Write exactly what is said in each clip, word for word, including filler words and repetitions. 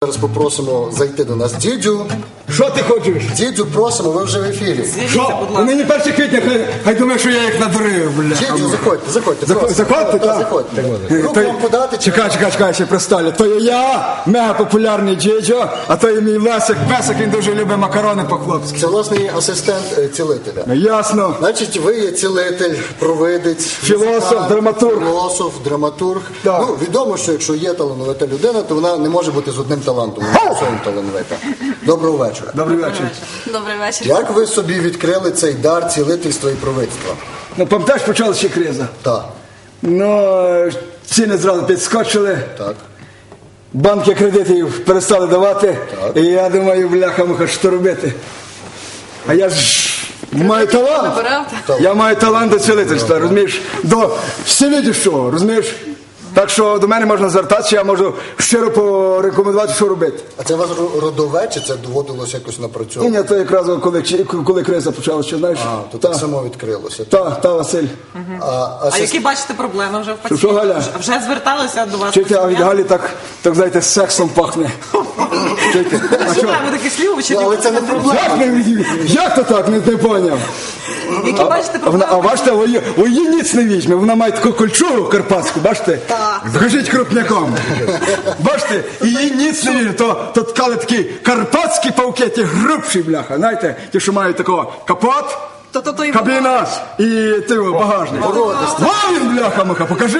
Зараз попросимо зайти до нас дідю. Що ти хочеш? Дідю просимо, ви вже в ефірі. Що? Нині перше квітня, хай, хай думає, що я їх надурив, бля. Дідю, заходьте, заходьте. Зах- просимо. заходьте, Так, так? заходьте. Е, Руку то- вам подати? чи- Чекай, чекай, чекай, ще представлю. То є я, мега популярний дідьо, а то є мій Лесик Песик, він дуже любить макарони по-хлопськи. Це власний асистент е, цілителя. Ясно. Значить, ви є цілитель, провидець, Філософ, музикант, драматург. Філософ, драматург. Так. Ну, відомо, що якщо є талановита людина, то вона не може бути з одним талантом. Вона всім талановита. Доброго вечора. Добрий вечір. Добрий вечір. Як ви собі відкрили цей дар цілительства і провидства? Ну, пам'ятаєш, почалася ще криза. Так, Ну, ціни зразу підскочили, так. банки кредитів перестали давати, Так. і я думаю, бляха-муха, що робити? А я ж маю талант. Набирав? Я маю талант до цілительства, розумієш? До всевидящого, розумієш? Так що до мене можна звертатися, я можу щиро порекомендувати, що робити. А це у вас ро- родове, чи це доводилось якось Ні, напрацьовувати? ні, то якраз коли, коли криза почалася, знаєш? А, то Та, так само відкрилося. та, та, Василь. А, а А сес- які бачите проблеми вже в Що, що, пацієнтів? Галя? Вже зверталися до вас? Чуєте, а від пацієнти? Галі так, так, знаєте, сексом пахне. Чуєте? А Що що? ви такі слів чи Ну, але це не проблема. Як, не, як то так, не, не поняв? Які бачите А, вона, проблеми? а бачите, у її, у її ніц не візьме, вона має таку кольчугу карпатську, бачите? Так. Покажіть крупняком. Бачите, і її ніц не візьме, то, то ткали такі карпатські павки, ті грубші, бляха, знаєте, ті, що мають такого капот, То, то, то і кабіна і ти, багажник. Вон він, бляха-муха, покажи.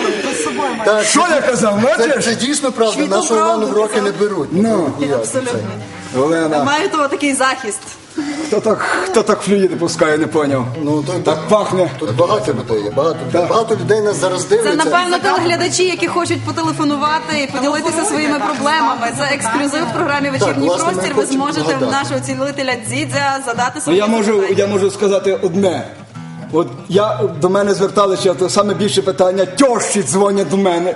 з собою має. Так, Що я казав, Це, бачиш? це дійсно правда, Світу нашу Івану в правду роки не беруть. Ну. Ніяк, Абсолютно. це. Олена, Маю того такий захист. хто так, хто так флюїди пускає, не поняв. Ну, то, Так пахне. Тут багато людей є, багато людей. Так. Багато людей нас зараз Це, дивляться. напевно, телеглядачі, які хочуть потелефонувати і поділитися своїми проблемами. Це ексклюзив в програмі «Вечірній власне, ми простір». Ви хочемо зможете в вгадати. нашого цілителя Дзідзя задати Ну, свої я можу, запитання. я можу сказати одне. От я до мене зверталися, то саме більше питання, тьощі дзвонять до мене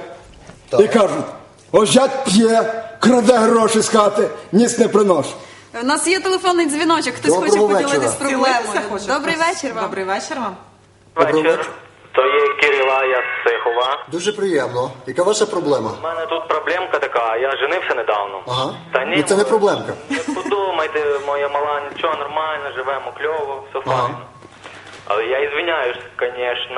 і кажуть, ось зять п'є, краде гроші з хати, ніц не принош. У нас є телефонний дзвіночок, хтось Доброго хоче поділитися вечора. проблемою. Цілитися хоче? Добрий вечір вам. Добрий вечір вам. Вечір. То є Кирила, я з Сихова. Дуже приємно. Яка ваша проблема? У мене тут проблемка така, я женився недавно. Ага. Та ні, Ну, це не проблемка. Не подумайте, моя мала, нічого, нормально, живемо кльово, все Ага. файно. Але я ізвиняюсь, звісно,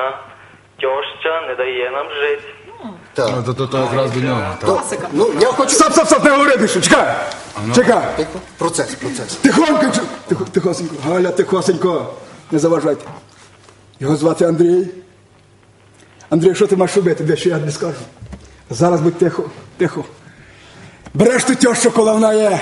тьоща не дає нам жити. Так. То, то, то якраз до нього. так. То, ну, я хочу... Стоп, стоп, стоп, не говори більше, чекай, чекай. Тихо. Процес, процес. Тихонько, чу- тихо, тихосенько, Галя, тихосенько, не заважайте. Його звати Андрій. Андрій, що ти маєш робити, де що я не скажу. Зараз будь тихо, тихо. Береш ту тьощу, коли вона є,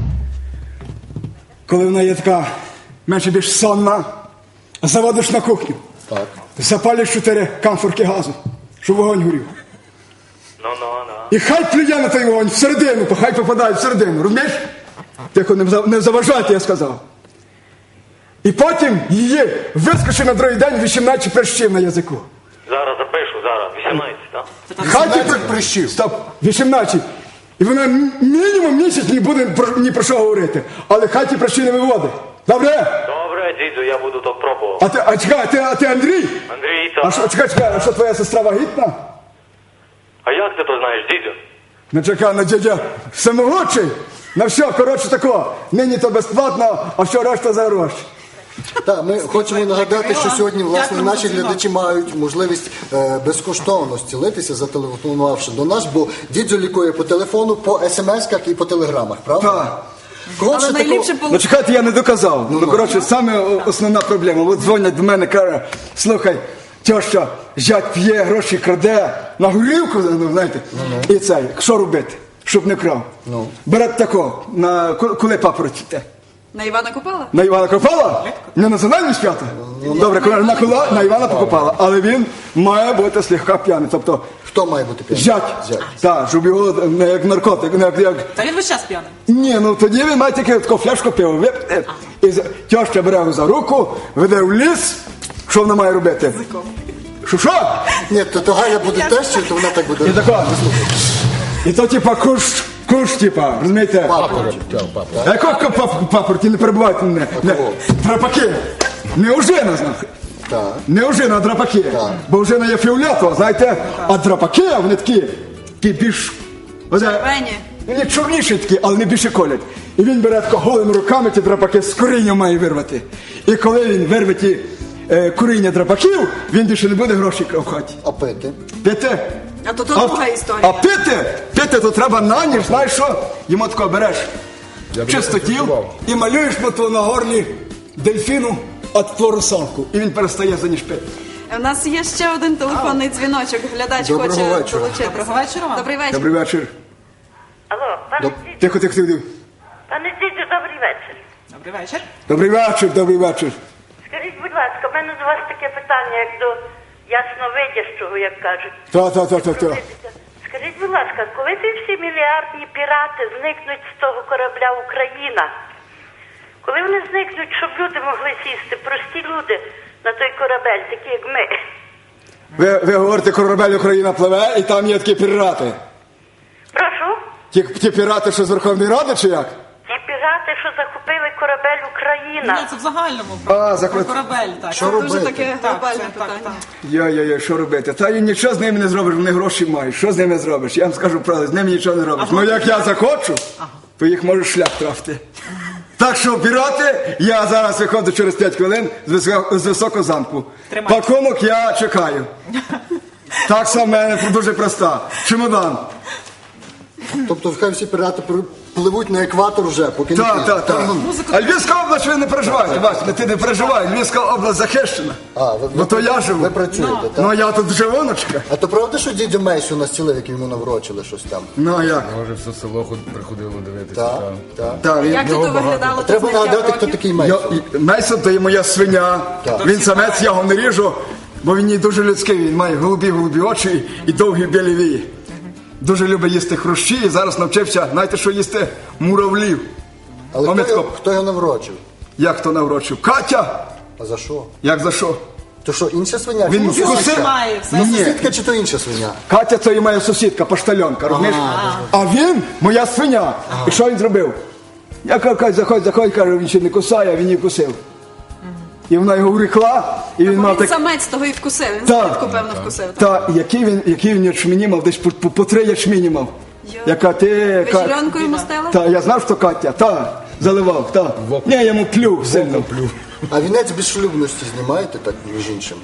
коли вона є така менше більш сонна, заводиш на кухню, Так. запалиш чотири камфорки газу, щоб вогонь горів. Ну, ну, ну. І хай плює на той вогонь всередину, хай попадає всередину, розумієш? Тихо, не зав- не заважайте, я сказав. І потім її вискочи на другий день вісімнадцять прищів на язику. Зараз запишу, зараз, вісімнадцять, так? Хай ті вісімнадцять при- прищів. Стоп, вісімнадцять. І вона м- мінімум місяць не буде про- ні про що говорити. Але хай ті прищі не виводить. Добре? Добре, дідю, я буду то пробувати. А ти, а чекай, а ти, а ти Андрій? Андрій, А що, так? чекай, чекай, а що твоя сестра вагітна? А як ти то знаєш, дідю? Ну чекай, на дядя всемогучий. На все, коротше тако, нині то безплатно, а все решта за гроші. Так, ми хочемо нагадати, що сьогодні, власне, Дякуємо наші за дзвінок. глядачі мають можливість е, безкоштовно зцілитися, зателефонувавши до нас, бо дідзю лікує по телефону, по смс-ках і по телеграмах, правда? Так. Кого Але ще найліпше такого- Ну чекайте, я не доказав. Ну, коротше, саме о- основна проблема. От дзвонять до мене, каже, слухай, тьоща, зять п'є, гроші краде, на горілку, ну, знаєте, і цей, що робити, щоб не крав? Ну. Берете тако, на, ко- коли папороті те? На Івана Купала? На Івана Копала? Не національні свята? Добре, коли на, кола, на Івана Покопала. Але він має бути слегка п'яний. Тобто, Хто має бути п'яний? зять. Зять. Так, щоб його не як наркотик, не як, як Та він весь час п'яний. ні, ну тоді він має тільки таку фляжку пива випити. І за- тьоща бере його за руку, веде в ліс. Що вона має робити? Що що? Ні, то, то Галя буде теж, чи то вона так буде? І тако. І то типа куш, куш, типа, розумієте? Папороть. А якого пап- папорті, не перебувайте мене. Не, кого? драпаки. Не ожина, знаєте. Так. Не ожина, а драпаки. Бо ожина є фіолетова, знаєте, а драпаки, вони такі, такі більш... Оце, Червені. Вони чорніші такі, але не більше колять. І він бере тако голими руками ті драпаки з коріння має вирвати. І коли він вирве ті е, коріння драпаків, він більше не буде грошей в хаті. А пити? Пити? А то то друга історія. А пити? Пити то треба на ніж, знаєш що? Йому тако береш чистотіл і малюєш мотво на горлі дельфіну от флорусалку. І він перестає за ніж пити. У нас є ще один телефонний дзвіночок. Глядач Доброго хоче вечора. долучитися. Доброго вечора вам. Добрий вечір. Добрий вечір. Алло, пане Доб- Дідю, Тихо, тихо, тихо. пане Дідю, добрий вечір. Добрий вечір. Добрий вечір, добрий вечір. Скажіть, будь ласка, в мене до вас таке питання, як до ясновидящого, як кажуть. Та, та, та, та, та. Скажіть, будь ласка, коли ті всі мільярдні пірати зникнуть з того корабля Україна? Коли вони зникнуть, щоб люди могли сісти, прості люди, на той корабель, такі як ми? Ви, ви говорите, корабель Україна пливе, і там є такі пірати. Прошу? Ті, ті пірати, що з Верховної Ради, чи як? Ті пірати, що захопили корабель Ні, Україна. це в загальному. А, Про захват- корабель, так. Що Дуже робити? таке Так, глобальне це, так, питання. так. Йо-йо-йо, що робити? Та і нічого з ними не зробиш, вони гроші мають. Що з ними зробиш? Я вам скажу правду, з ними нічого не робиш. Ну як я захочу, то їх може шлях трафити. Так що, пірати, я зараз виходжу через п'ять хвилин з високо- з високого замку. Тримайте. Пакунок я чекаю. Так само в мене дуже проста. Чемодан. Тобто хай всі пірати пр- пливуть на екватор вже, поки не Так, пізно. так, так. А Львівська область ви не переживаєте, Вася, ти не переживай, Львівська область захищена. А, ви, Ну то я живу. Ви працюєте, так? Ну я тут живоночка. А то правда, що дідя Мейсю настілив, як йому наврочили щось там? Ну а як? Може, все село ход- приходило дивитися. Так, та. так. Так, він- Як тут виглядало то Треба зняття нагадати, хто років? такий Я, Мейсон. і- Мейсон то є моя свиня. Так. Він самець, я його не ріжу, бо він не дуже людський. Він має голубі-голубі очі і довгі білі вії. Дуже любить їсти хрущі і зараз навчився, знаєте, що їсти? Муравлів. Але А ми хто, його- тако- хто його наврочив? Як то наврочив? Катя! А за що? Як за що? То що, інша свиня? Він Чи вкусив? сусідка? Має все. Ну, Ні. сусідка чи то інша свиня? Катя це і моя сусідка, поштальонка, розумієш? А він моя свиня. І що він зробив? Я кажу, Кать, заходь, заходь, каже, він ще не кусає, а він її кусив. І вона його урекла, і він Бо мав він так. самець того і вкусив. Він Так. слідку, певно, вкусив. так? Та, який він, який він ячмені мав, десь по, по, по три ячмені мав. Йо. Яка ти... Ви Ка- зеленку йому стели? Та, я знав, що Катя, та, заливав, та. Ні, я йому плюв сильно. Плю. А вінець безшлюбності знімаєте, так, між іншим?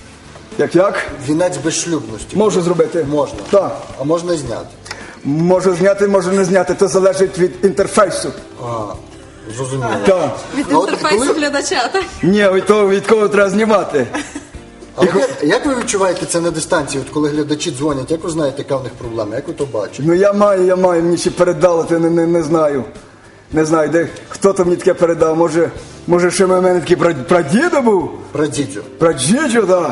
Як як? Вінець безшлюбності. Можу зробити. Можна. Так. А можна і зняти. Можу зняти, можу не зняти, то залежить від інтерфейсу. А, зрозуміло. Так. Від А от інтерфейсу коли- глядача, так? Ні, від того, від кого треба знімати. А от як, як ви відчуваєте це на дистанції, от коли глядачі дзвонять, як ви знаєте, яка в них проблема, як ви то бачите? Ну я маю, я маю, мені ще передало, то не, не, не знаю. Не знаю, де, хто то мені таке передав. Може, може ще в мене такий пра- прадідо був? Прадідю. Прадідо, так.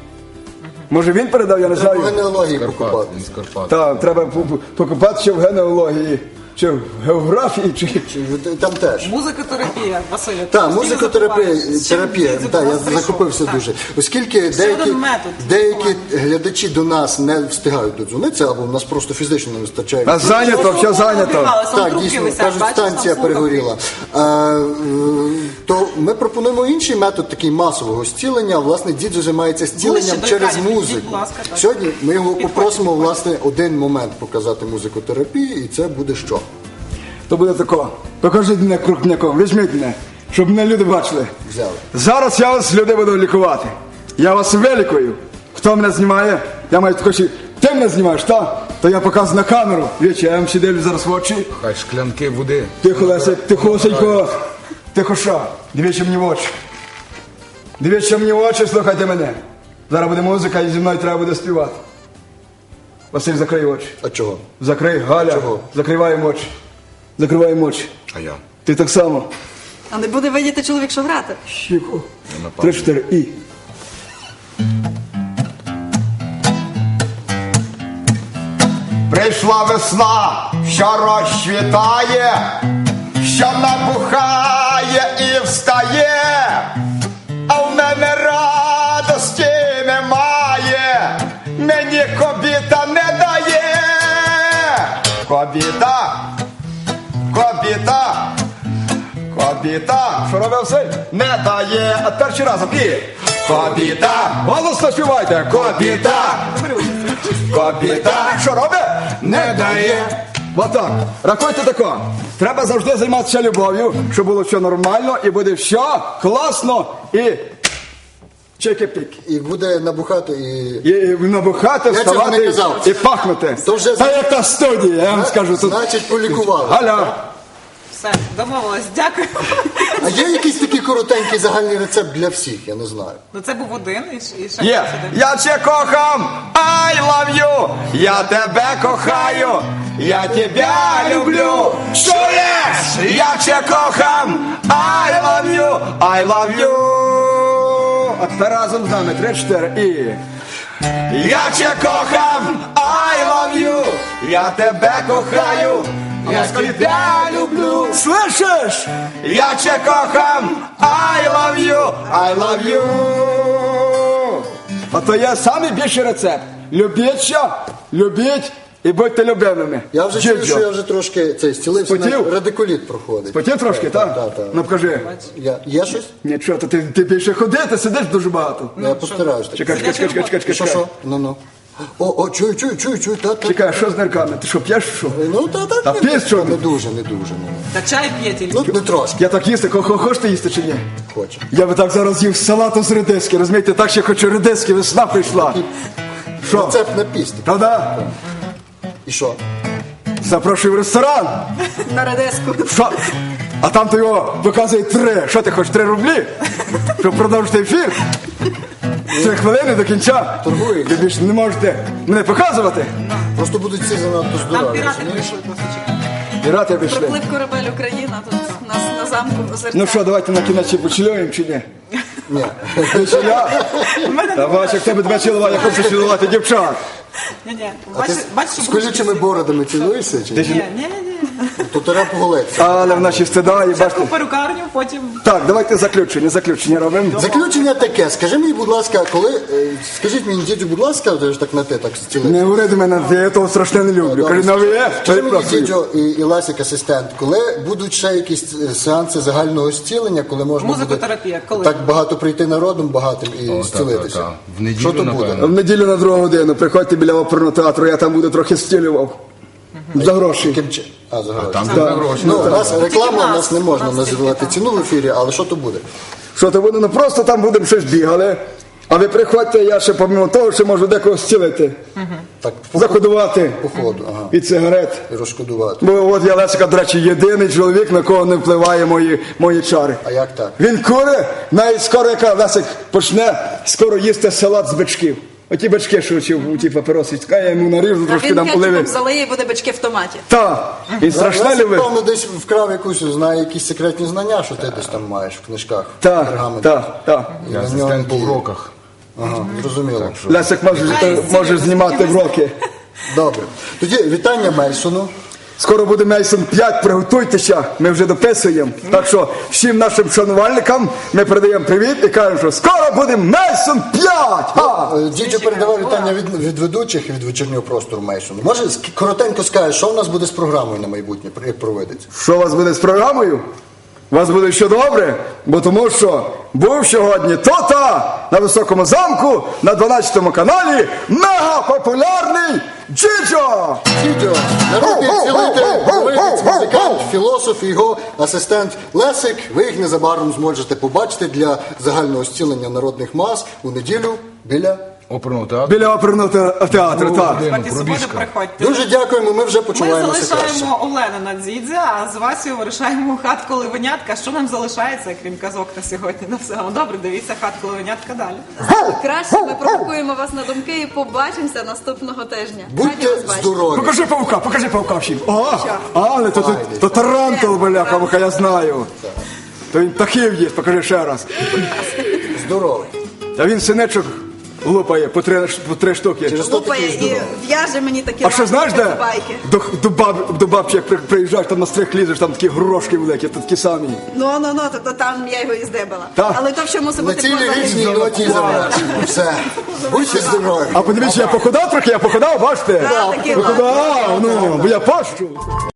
Може він передав, я не Треба в знаю. генеалогії Карпат, покупати. з Карпат. Так, треба по- по- покопатися в генеалогії, чи в географії, чи... Чи ви- Там теж. Музикотерапія, Василь. Так, музикотерапія, терапія, так, я захопився дуже. Оскільки деякі, один метод. деякі глядачі до нас не встигають додзвонитися, або в нас просто фізично не вистачає. А зайнято, все зайнято. Так, дійсно, кажуть, станція перегоріла. А, е, то ми пропонуємо інший метод, такий масового зцілення. Власне, дідзю займається зціленням Ближче до через екранів, підійдіть, музику. будь ласка, так. Сьогодні ми його Підходьте, попросимо, підходьте. власне, один момент показати музикотерапії, і це буде що? То буде тако. Покажіть мене крупняком, візьміть мене, щоб мене люди бачили. Взяли. Зараз я вас, люди, буду лікувати. Я вас вилікую. Хто мене знімає? Я маю тако ще... Ти мене знімаєш, так? То я показую на камеру. Вічі, я вам ще дивлюсь зараз в очі. Хай шклянки води. Тихо, Лесик, тихосенько. Тихо, що? Дивіться мені в очі. Дивіться мені в очі, слухайте мене. Зараз буде музика і зі мною треба буде співати. Василь, закрий очі. А чого? Закрий, Галя. Чого? Закриваємо очі. Закриваємо очі. А я. Ти так само. А не буде видіти чоловік, що грати. Тихо. Три, чотири, і. Прийшла весна, що розцвітає, що набухає і встає, а в мене радості немає, мені кобіта не дає. Кобіта, кобіта, кобіта, що робив Василь? Не дає, а перший раз, і. Кобіта, голосно співайте, кобіта. Кобіта, що робить? Не дає. Отак. Рахуйте тако. Треба завжди займатися любов'ю, щоб було все нормально і буде все класно і чики-піки. І буде набухати і... І набухати, Я цього не вставати казав. і пахнути. То вже- Та як та студія, я вам скажу. Тут... Значить, полікували. Галя, Все, домовилась. Дякую. А є якийсь такий коротенький загальний рецепт для всіх, я не знаю. Ну це був один і, ш- і ще є. хтось один. Я тебе кохам, I love you. Я тебе кохаю, я тебе люблю. Чуєш? Я тебе кохам, I love you, I love you. А тепер разом з нами, три-чотири і... Я тебе кохам, I love you. Я тебе кохаю, я тебе люблю. Слышиш? Я тебе кохам, I love you, I love you. А то є самий більший рецепт. Любіть що, любіть і будьте любимими. Я вже чую, що я вже трошки цей стілився, Спотів? на радикуліт проходить. Потім трошки, так? Так, так. Ну покажи. Я, є щось? Нічого, то ти, ти більше ходи, ти сидиш дуже багато. Я постараюсь. так. Чекай, чекай, чекай, чекай, чекай, Що, чекай. що? Ну, ну. О, о, чую, чую, чую, чую, та, та. Чекай, що з нирками? Ти що, п'єш, що? Ну, та, та, Та не, п'єш, що? не дуже, не дуже. Ну, Та чай п'є тільки. ну не трошки Я так їсти, хо- хочете їсти чи ні? хочу. Я би так зараз їв салату з редиски, розумієте, так ще хочу редиски, весна прийшла. Що? Рецепт на пісні. Правда? І що? Запрошую в ресторан. На редиску. Що? А там то його показує три. Що ти хочеш, три рублі? Щоб продовжити ефір? Три хвилини до кінця. Торгуєш. Ви більше не можете мене показувати. Просто будуть всі занадто Там здорові. пірати розумієш? прийшли просто чекати. Пірати вийшли. Приплив корабель Україна тут нас на замку озерця. Ну що, давайте на кінець ще почілюємо чи ні? Ні. Почіля? Та бач, як тебе тебе цілувати, я хочу цілувати дівчат. Ні-ні. А Бачиш, ти бачиш, з що колючими бородами цілуєшся? Чи? ні? Ні, ні, ні. То треба поголитися. Але в нашій стида, і бачите. Спочатку перукарню, потім... Так, давайте заключення, заключення робимо. Заключення таке. Скажи мені, будь ласка, коли... е, Скажіть мені, дідю, будь ласка, ти ж так на ти так стілиш. Не говори до мене, я того страшне не люблю. Кажи, на ви, Скажи мені, перепрошую. дідю і, і Ласик, асистент, коли будуть ще якісь е, сеанси загального зцілення, коли можна буде Музикотерапія, коли? так багато прийти народом багатим і О, та, зцілитися? та, та. В неділю, Що то буде? напевно. В неділю на другу годину приходьте біля оперного театру, я там буду трохи стілював. За гроші. Яким чи- А, за гроші. Там Да. дуже гроші. Ну, у нас реклама, у Тільки нас нас, не можна у нас тільки називати там. ціну в ефірі, але що то буде? Що то буде? Ну просто там будемо щось бігали. А ви приходьте, я ще помимо того, що можу декого зцілити. Так, Закодувати по ходу, ага. від сигарет. І розшкодувати. Бо от я Лесика, до речі, єдиний чоловік, на кого не впливає мої, мої чари. А як так? Він кури, навіть скоро, яка Лесик почне скоро їсти салат з бичків. Оті бички, що ці, ті папироси, я йому наріжу, А трошки він там кетчупом оливи. залиє і буде бички в томаті. Так, він страшне Лесик, любить. певно, десь вкрав якусь, знає якісь секретні знання, що ти десь там маєш в книжках. в Так, пергаментах. так, так. І Я на асистент ньому по діє. уроках. Ага, зрозуміло. Лесик може, може знімати вроки. Добре. Тоді вітання Мельсону. Скоро буде Мейсон п'ять, приготуйтеся, ми вже дописуємо. Так що всім нашим шанувальникам ми передаємо привіт і кажемо, що скоро буде Мейсон п'ять! Ха! Е, Дідьо передавав вітання від, від ведучих і від вечірнього простору Мельсону. Може, ск- коротенько скажеш, що в нас буде з програмою на майбутнє, як проведеться? Що у вас буде з програмою? У вас буде що добре, бо тому що був сьогодні то-та на Високому замку на дванадцятому каналі мегапопулярний Джиджо! Дідьо, народний цілитель, говоритець, музикант, філософ і його асистент Лесик. Ви їх незабаром зможете побачити для загального зцілення народних мас у неділю біля... Оперного театру. Біля оперного те- театру, так. Сьогодні суботу пробіжка. приходьте. Дуже дякуємо, ми вже Ми почуваємося краще. залишаємо Олену на дзідзя, а з Васею вирішаємо хатку Ливенятка. Що нам залишається, крім казок на сьогодні? На все. Добре, дивіться хатку Ливенятка далі. Краще ми провокуємо вас на думки і побачимося наступного тижня. Раді Будьте вас бачити. здорові. Покажи павука, покажи павука всім. О, але то, то, то тарантул, бляха, муха, я знаю. То він птахів їсть, покажи ще раз. Здорові. Та він синечок лупає по три, по три штуки. Через то Лупає такий і здоровий. в'яже мені такі А що знаєш де? байки. До, до, баб, до бабці, як при- приїжджаєш, там на стрих лізеш, там такі горошки великі, то такі самі. Ну, ну, ну, то, то там я його і здебала. Так. Але то все мусить На бути цій поза ліричній ефіром. ноті завершимо. Все. Будьте здорові. А подивіться, я похудав трохи, я похудав, бачите? Так, такі Похудав, ну, бо я пощу.